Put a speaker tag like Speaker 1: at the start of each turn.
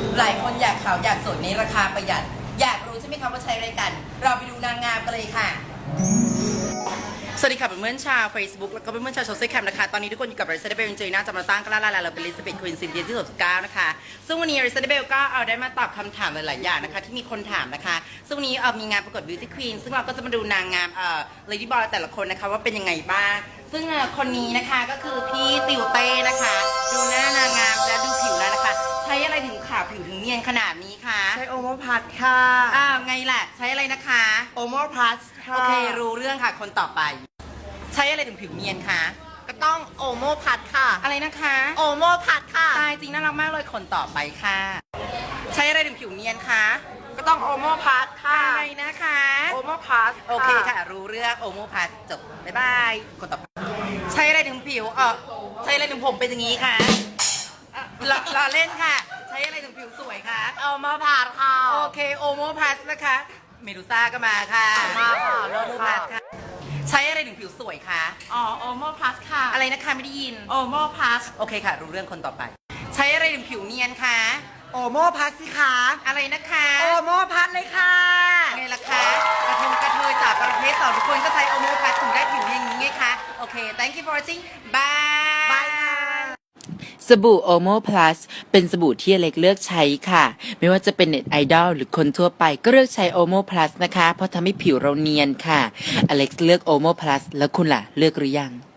Speaker 1: หลายคนอยากขาวอยากสวยในราคาประหยัดอยากรู้ใช่ไหมคะว่าใช้อะไรกันเราไปดูนางงามกันเลยค่ะสวัสดีค่ะเพื่อนๆชาว Facebook แล้วก็เพื่อนๆชาวโซเชียลแคมนะคะตอนนี้ทุกคนอยู่กับ Resident Bell จริงๆน่าจะมาตั้งกันแล้วเราเป็น Elizabeth Queen Cynthia ที่69นะคะซึ่งวันนี้ Resident Bell ก็เอาได้มาตอบคำถามหลายๆอย่างนะคะที่มีคนถามนะคะซึ่งวันนี้มีงานประกวด Beauty Queen ซึ่งเราก็จะมาดูนางงามLady Boy แต่ละคนนะคะว่าเป็นยังไงบ้างซึ่งคนนี้นะคะก็คือพี่ติวเต้นะคะดูหน้านางงามและดูผิวแล้วนะคะใช้อะไรถึงขาวผิวถึงเนียนขนาดนี้คะ
Speaker 2: ใช้โอโมพัทค่ะ
Speaker 1: ไงล่ะใช้อะไรนะคะ
Speaker 2: โอโมพัทค่ะ
Speaker 1: โอเครู้เรื่องค่ะคนต่อไปใช้อะไรถึงผิวเนียนคะ
Speaker 2: ก็ต้องโอโมพัทค่ะ
Speaker 1: อะไรนะคะ
Speaker 2: โอโมพัทค่ะ
Speaker 1: ตายจริงน่ารักมากเลยคนต่อไปค่ะ ใช้อะไรถึงผิวเนียนคะ
Speaker 2: ก็ต้องโอโมพัทค่ะ
Speaker 1: อะไรนะคะ
Speaker 2: โอโมพัท
Speaker 1: โอเคค่ะรู้เรื่องโอโมพัสจบบ๊ายบายคนต่อไปใช้อะไรถึงผิวใช้อะไรถึงผมเป็นอย่างนี้คะรอเล่นค่ะ ใช้อะไรถึงผิวสวยคะ
Speaker 2: โอโมพัทค่ะ
Speaker 1: โอเคโอโมพัสนะคะเมดูซ่าก็มาค่ะ
Speaker 2: มาค่ะ
Speaker 1: โอโมพัสค่ะใช้อะไรถึงผิวสวยคะ
Speaker 2: โอโมพัทค่ะ
Speaker 1: อะไรนะคะไม่ได้ยิน
Speaker 2: โอโมพัท
Speaker 1: โอเคค่ะรู้เรื่องคนต่อไป ใช้อะไรถึงผิวเนียนคะ
Speaker 2: โอโมพัทสิคะ
Speaker 1: อะไรนะคะ
Speaker 2: โอโมพัทเลยค่ะ
Speaker 1: ไงล่ะคะกระเทยจากประเภท2ทุกคนก็ใช้โอโมพัสถึงได้ผิวอย่างนี้ไงคะโอเค thank you for watching bye
Speaker 2: บายค่ะ
Speaker 3: สบู่โอโมพลัสเป็นสบู่ที่อเล็กเลือกใช้ค่ะ ไม่ว่าจะเป็นเน็ตไอดอลหรือคนทั่วไปก็เลือกใช้โอโมพลัสนะคะ เพราะทำให้ผิวเราเนียนค่ะ อเล็กเลือกโอโมพลัสแล้วคุณล่ะ เลือกหรือยัง